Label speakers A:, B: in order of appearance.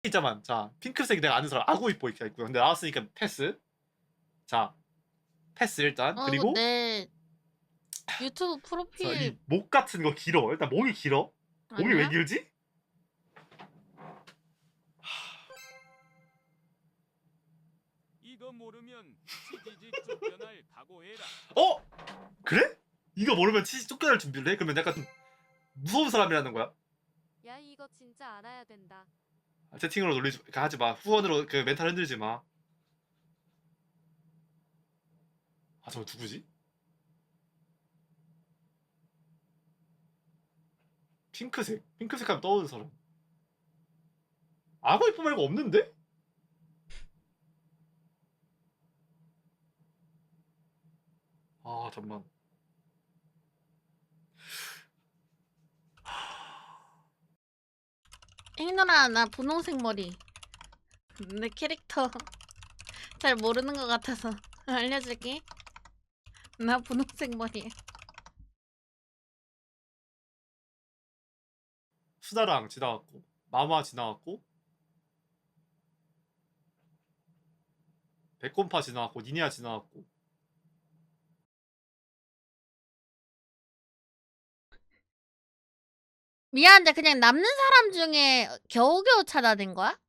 A: 있자만. 자, 핑크색 내가 아는 사람 아구이뽀 이렇게 있고요. 근데 나왔으니까 패스. 자, 패스 일단.
B: 이거
A: 그리고
B: 내 유튜브
A: 이
B: 프로필
A: 목 같은 거 길어. 일단 목이 길어. 목이 왜
B: 아니야?
A: 길지?
C: 이거 모르면 치지직 쫓겨날 각오해라.
A: 어? 그래? 이거 모르면 치즈 쫓겨날 준비를 해? 그러면 약간 좀 무서운 사람이라는 거야?
D: 야 이거 진짜 알아야 된다.
A: 채팅으로 놀리지 하지 마. 후원으로 그 멘탈 흔들지 마. 아, 저거 누구지? 핑크색. 핑크색 하면 떠오르는 사람. 아구이뽀 말고 없는데? 아, 잠만.
B: 잉누나 나 분홍색 머리. 내 캐릭터 잘 모르는 것 같아서 알려줄게. 나 분홍색 머리야.
A: 수다랑 지나갔고, 마마 지나갔고, 백곰파 지나갔고, 니니아 지나갔고.
B: 미안한데 그냥 남는 사람 중에 겨우겨우 찾아낸 거야?